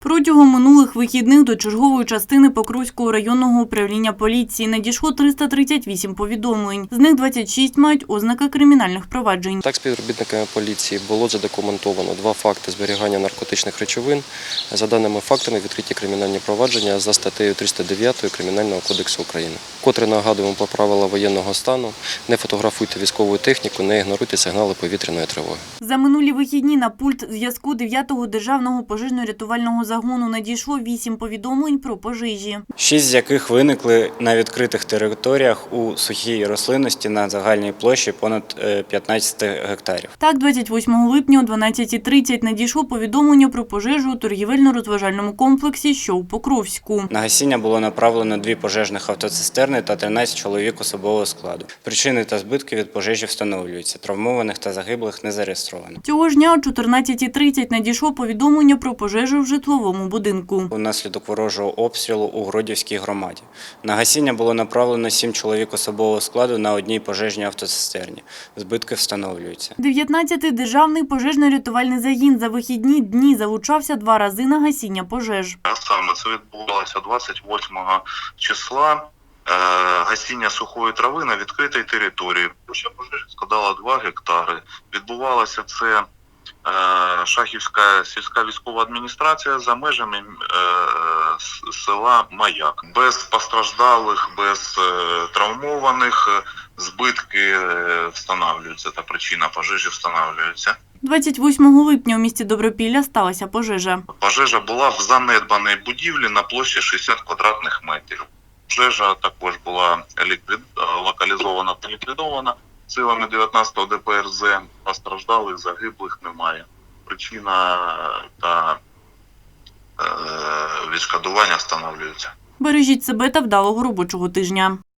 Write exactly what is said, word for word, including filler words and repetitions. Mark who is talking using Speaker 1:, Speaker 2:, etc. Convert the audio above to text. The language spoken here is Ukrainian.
Speaker 1: Протягом минулих вихідних до чергової частини Покровського районного управління поліції надійшло триста тридцять вісім повідомлень. З них двадцять шість мають ознаки кримінальних проваджень.
Speaker 2: Так, співробітниками поліції було задокументовано два факти зберігання наркотичних речовин. За даними фактами відкриті кримінальні провадження за статтею триста дев'ять Кримінального кодексу України. Котре нагадуємо про правила воєнного стану: не фотографуйте військову техніку, не ігноруйте сигнали повітряної тривоги.
Speaker 1: За минулі вихідні на пульт зв'язку дев'ятого державного пожежно-рятувального загону надійшло вісім повідомлень про пожежі.
Speaker 3: Шість з яких виникли на відкритих територіях у сухій рослинності на загальній площі понад п'ятнадцять гектарів.
Speaker 1: Так, двадцять восьмого липня о дванадцятій тридцять надійшло повідомлення про пожежу у торгівельно-розважальному комплексі, що у Покровську.
Speaker 3: На гасіння було направлено дві пожежних автоцистерни та тринадцять чоловік особового складу. Причини та збитки від пожежі встановлюються. Травмованих та загиблих не зареєстровано.
Speaker 1: Цього ж дня о чотирнадцятій тридцять надійшло повідомлення про пожежу в житловому будинку.
Speaker 3: Унаслідок ворожого обстрілу у Гродівській громаді. На гасіння було направлено сім чоловік особового складу на одній пожежній автоцистерні. Збитки встановлюються.
Speaker 1: дев'ятнадцятий державний пожежно-рятувальний загін за вихідні дні залучався два рази на гасіння пожеж.
Speaker 4: Саме це відбувалося двадцять восьмого числа. Гасіння сухої трави на відкритій території. Площа пожежі складала два гектари. Відбувалося це Шахівська сільська військова адміністрація за межами села Маяк. Без постраждалих, без травмованих, збитки встановлюються та причина пожежі встановлюється.
Speaker 1: двадцять восьмого липня у місті Добропілля сталася пожежа.
Speaker 4: Пожежа була в занедбаній будівлі на площі шістдесят квадратних метрів. Пожежа також була ліквід... локалізована та ліквідована силами дев'ятнадцятого Д П Р З. Постраждалих, загиблих немає. Причина та е... відшкодування встановлюються.
Speaker 1: Бережіть себе та вдалого робочого тижня.